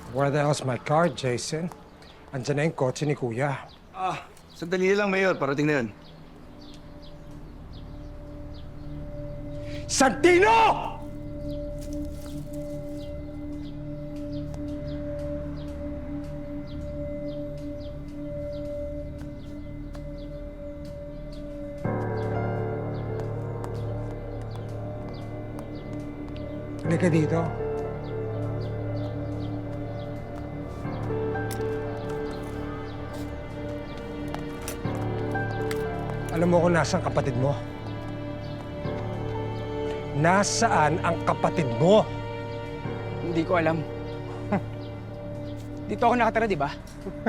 Where the hell's my car, Jason? Andiyan na yung kotse ni Kuya. Sandali lang, Mayor. Parating na yun. Santino! Halika dito. Alam mo kung nasaan kapatid mo? Nasaan ang kapatid mo? Hindi ko alam. Dito ako nakatira, di ba?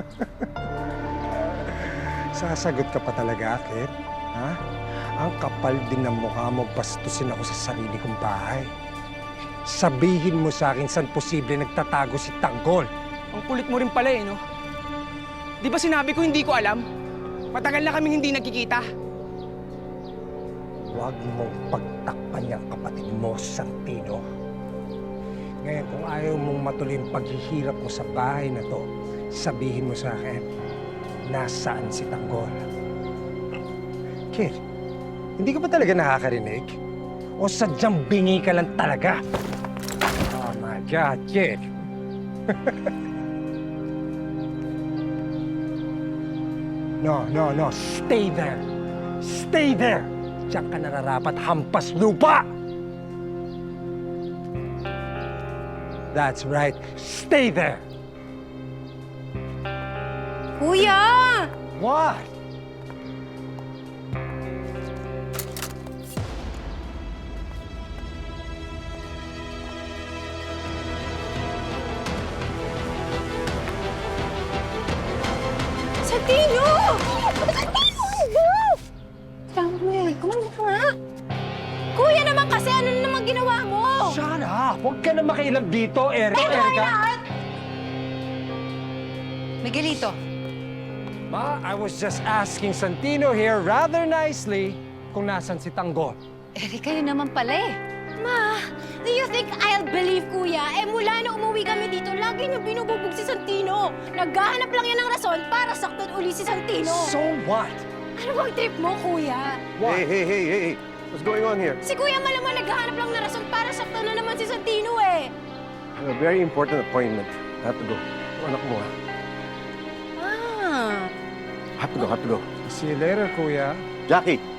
Sasagot ka pa talaga, kid? Ha? Ang kapal din ng mukha mo, bastusin ako sa sarili kong bahay. Sabihin mo sa akin saan posible nagtatago si Tanggol. Ang kulit mo rin pala eh, no? Di ba sinabi ko hindi ko alam? Matagal na kaming hindi nagkikita. Huwag mong pagtakpan yung kapatid mo, Santino. Ngayon, kung ayaw mong matuloy ang paghihirap mo sa bahay na to, sabihin mo sa akin, nasaan si Tanggol? Kid, hindi ka ba talaga nakakarinig? O sadyang bingi ka lang talaga? Oh my God, kid. No. Stay there. Stay there. Diyan ka nararapat hampas lupa. That's right. Stay there. Kuya! What? Santino! Santino! Samuel, kumain ka nga. Kuya naman kasi, ano na naman ginawa mo? Shut up! Huwag ka na makialam dito, Ito ay Erika. lahat! Miguelito, Ma, I was just asking Santino here rather nicely kung nasan si Tanggol. Erika yun naman pala eh. Ma, do you think I'll believe, Kuya? Mula na umuwi kami dito, lagi niyo binububog si Santino. Naghahanap lang yan ng rason para saktan uli si Santino. So what? Ano bang trip mo, Kuya? What? Hey. What's going on here? Si Kuya malamang naghahanap lang ng rason para saktan na naman si Santino eh. A very important appointment. I have to go. Anak mo, ha? Ah. Have to go. See you later, Kuya. Jackie,